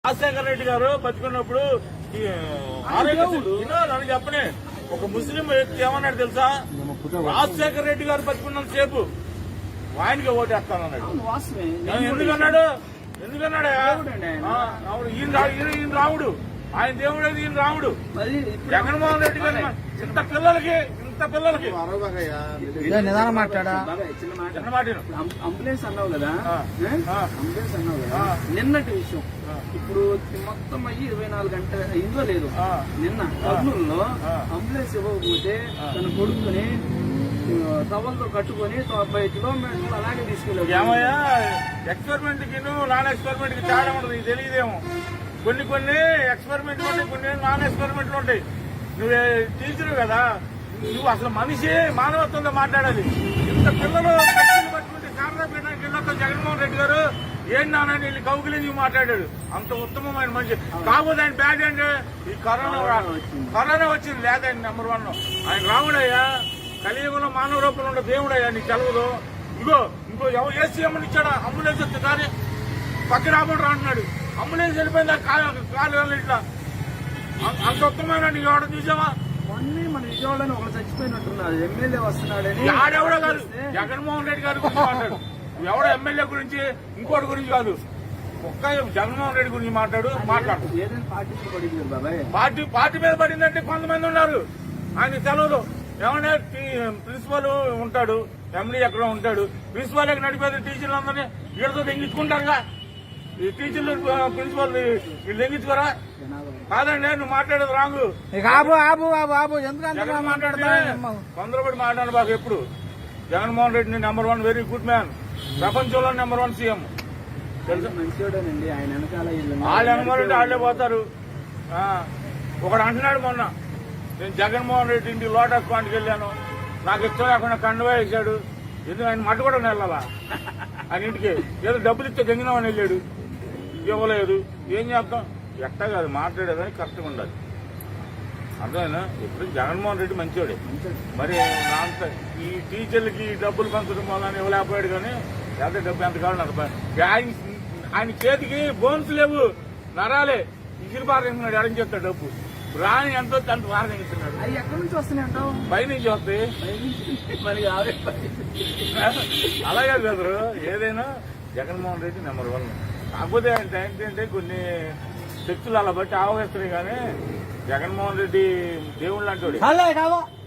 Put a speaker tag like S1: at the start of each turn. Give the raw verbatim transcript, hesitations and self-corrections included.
S1: రాజశేఖర రెడ్డి గారు బతుకున్నప్పుడు ఆరోగ్య చెప్పనే ఒక ముస్లిం వ్యక్తి ఏమన్నాడు తెలుసా? రాజశేఖర రెడ్డి గారు బతుకున్నంత సేపు ఆయనకి ఓటేస్తానన్నాడు. ఎందుకన్నాడు ఎందుకన్నాడు ఈయన ఈయన రాముడు, ఆయన దేవుడు అయితే ఈయన రాముడు. జగన్మోహన్ రెడ్డి గారు ఇంత పిల్లలకి ఇంత పిల్లలకి
S2: నిదానం మాట్లాడా
S1: చిన్న మాట
S3: అంబులెన్స్ అన్నావు కదా, అంబులెన్స్ అన్నావు కదా, నిన్నటి విషయం ఇప్పుడు మొత్తం అయ్యి ఇరవై నాలుగు గంటల ఇంట్లో లేదు. నిన్న కర్నూలులో అంబులెన్స్ ఇవ్వకపోతే తన కొడుకుని టవల్తో కట్టుకుని తొంభై కిలోమీటర్లు అలాగే తీసుకెళ్ళాడు.
S1: ఏమయ్యా ఎక్స్పెరిమెంట్ కి నాన్ ఎక్స్పెరిమెంట్ కి తేడా ఉండదు, ఇది తెలియదేమో. కొన్ని కొన్ని ఎక్స్పెరిమెంట్లు ఉంటాయి, కొన్ని నాన్ ఎక్స్పెరిమెంట్లు ఉంటాయి. నువ్వు టీచర్ కదా, నువ్వు అసలు మనిషి మానవత్వంతో మాట్లాడాలి. ఇంత పిల్లలు పట్టుకుంటే శారదా పీఠానికి వెళ్ళొద్దాం జగన్మోహన్ రెడ్డి గారు ఏం నాన్న వీళ్ళు కౌగిలించి మాట్లాడాడు. అంత ఉత్తమమైన మనిషి. కాకపోతే ఆయన బ్యాడ్ అంటే ఈ కరోనా కరోనా వచ్చింది లేదా ఆయన నెంబర్ వన్. ఆయన రాముడయ్యా, కలియుగంలో మానవ రూపంలో ఉండే దేవుడయ్యా, నీకు తెలవదు. ఇగో ఇంకో ఎవరు ఏ సీఎం ఇచ్చాడా? అంబులెన్స్ వస్తే కానీ పక్క రాబడి అంటున్నాడు. అంబులెన్స్ వెళ్ళిపోయింది కాలు ఇట్లా. అంత ఉత్తమమైన నీకు ఎవడ చూసావా?
S3: అన్ని మన విజయవాడని ఒకరు చచ్చిపోయినట్టున్నారు. ఎమ్మెల్యే వస్తున్నాడని
S1: ఆడెవడో కాదు, జగన్మోహన్ రెడ్డి గారి గురించి మాట్లాడు. ఎవడో ఎమ్మెల్యే గురించి ఇంకోటి గురించి కాదు, ఒక్క జగన్మోహన్ రెడ్డి గురించి మాట్లాడు మాట్లాడు.
S3: ఏదైనా పార్టీ పడింది బాబాయ్,
S1: పార్టీ పార్టీ మీద పడిందంటే కొంతమంది ఉన్నారు. ఆయన సెలవులు ఏమన్నా ప్రిన్సిపల్ ఉంటాడు, ఎండీ ఎక్కడ ఉంటాడు, ప్రిన్సిపల్ ఎక్కడ నడిపేది టీచర్లు అందరినీ వీళ్ళతో దెంగించుకుంటారుగా. ఈ టీచర్లు ప్రిన్సిపల్ వీళ్ళు దెంగించుకోరా? కాదండి, నువ్వు మాట్లాడేది రాంగు. తొందరపడి మాట్లాడు బాగా. ఎప్పుడు Jaganmohan Reddy number one, very good man, ప్రపంచంలో నెంబర్ వన్ సీఎం.
S3: మంచివాడేనండి. ఆయన వెనకాల
S1: వాళ్ళు వెనకాలంటే వాళ్ళే పోతారు. ఒకడు అంటున్నాడు మొన్న, నేను జగన్మోహన్ రెడ్డి ఇంటి లోటస్ పాయింట్కి వెళ్ళాను, నాకు ఇష్టం లేకుండా కండువా వేశాడు. ఎందుకు ఆయన మట్టు కూడా వెళ్ళాలా ఆయన ఇంటికి? ఏదో డబ్బులు ఇస్తే గంగినామని వెళ్ళాడు, ఇవ్వలేదు. ఏం చేద్దాం? ఎట్టా కాదు మాట్లాడేదని కరెక్ట్గా ఉండాలి. అర్థమైనా? ఇప్పుడు జగన్మోహన్ రెడ్డి మంచివాడే. మరి అంత ఈ టీచర్లకి డబ్బులు పంచడం వల్ల ఇవ్వలేకపోయాడు. కానీ ఎంత డబ్బు ఎంత కావాలి అంత ఆయన ఆయన చేతికి బోన్స్ లేవు, నరాలే. ఇసిరి పారేస్తున్నాడు. ఎడం చేస్తాడు డబ్బు రాని ఎంతో అంత పారేస్తున్నాడు.
S3: అవి ఎక్కడి నుంచి వస్తున్నాయి అంటావు?
S1: పై నుంచి వస్తాయి.
S3: మరి
S1: అలాగే బ్రదరు, ఏదైనా జగన్మోహన్ రెడ్డి నెంబర్ వన్. కాకపోతే ఆయన ఏంటంటే కొన్ని శక్తులు అలా బట్టి ఆవగిస్తున్నాయి. కానీ జగన్మోహన్ రెడ్డి దేవుళ్ళు అంటాడు.